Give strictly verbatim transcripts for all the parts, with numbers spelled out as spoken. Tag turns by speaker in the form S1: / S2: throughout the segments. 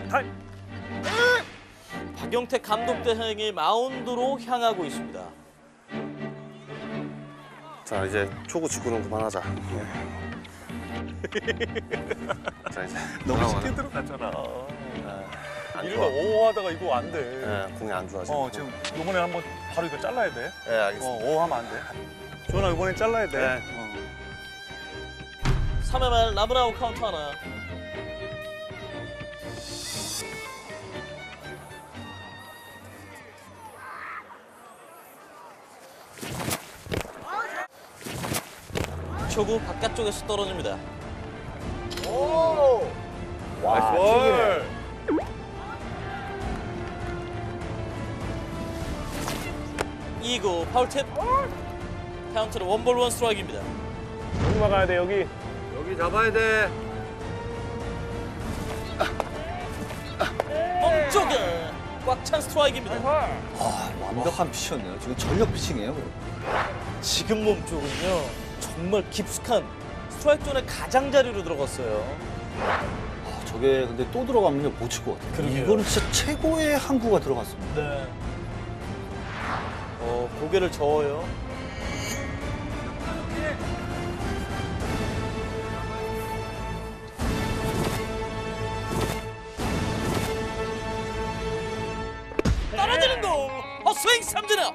S1: 타임.
S2: 박영택 감독 대행이 마운드로 향하고 있습니다.
S3: 자 이제 초구 직구는 그만하자. 예. 자 이제
S1: 너무 쉽게 들어갔잖아. 일로 오오 하다가 이거 안 돼.
S3: 예, 공이 안 좋아 지금.
S1: 어 지금 이번에 한번 바로 이거 잘라야 돼.
S3: 예, 알겠습니다.
S1: 어 오 하면 안 돼. 조나 이번엔 잘라야 돼.
S3: 네.
S1: 어.
S2: 삼 회 말 라브라우 카운트 하나. 초구 바깥쪽에서 떨어집니다.
S1: 나이스 볼.
S2: 이 구 파울 팁. 카운트는 원볼 원 스트라이크입니다.
S1: 여기 막아야 돼 여기.
S4: 여기 잡아야 돼.
S2: 멈쪽에 꽉 찬 스트라이크입니다.
S5: 아, 완벽한 피칭이네요. 지금 전력 피칭이에요.
S2: 지금 몸쪽은요 정말 깊숙한 스트라이크 존의 가장자리로 들어갔어요.
S5: 아, 저게 근데 또 들어가면 못 칠 것 같아요.
S2: 그러게요.
S5: 이거는 진짜 최고의 항구가 들어갔습니다.
S2: 네. 어 고개를 저어요. 떨어지는 공 헛스윙 삼진업.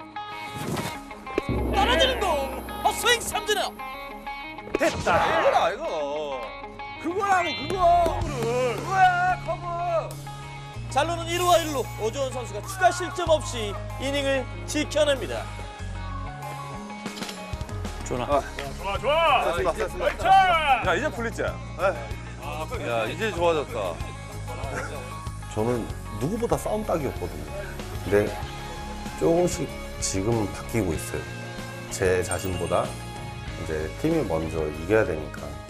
S2: 떨어지는 공 헛스윙 삼진업.
S1: 됐다.
S4: 이거라 이거. 그거라고 그거. 커브를. 그거야 커브.
S2: 잘루는 일 루와 일 루. 오주원 선수가 추가 실점 없이 이닝을 지켜냅니다.
S1: 조나.
S3: 좋아 좋아. 됐습니다, 됐습니다.
S1: 야 이제 풀리자.
S4: 야 이제 좋아졌다.
S3: 저는 누구보다 싸움 딱이었거든요. 근데 조금씩 지금 바뀌고 있어요. 제 자신보다 이제 팀이 먼저 이겨야 되니까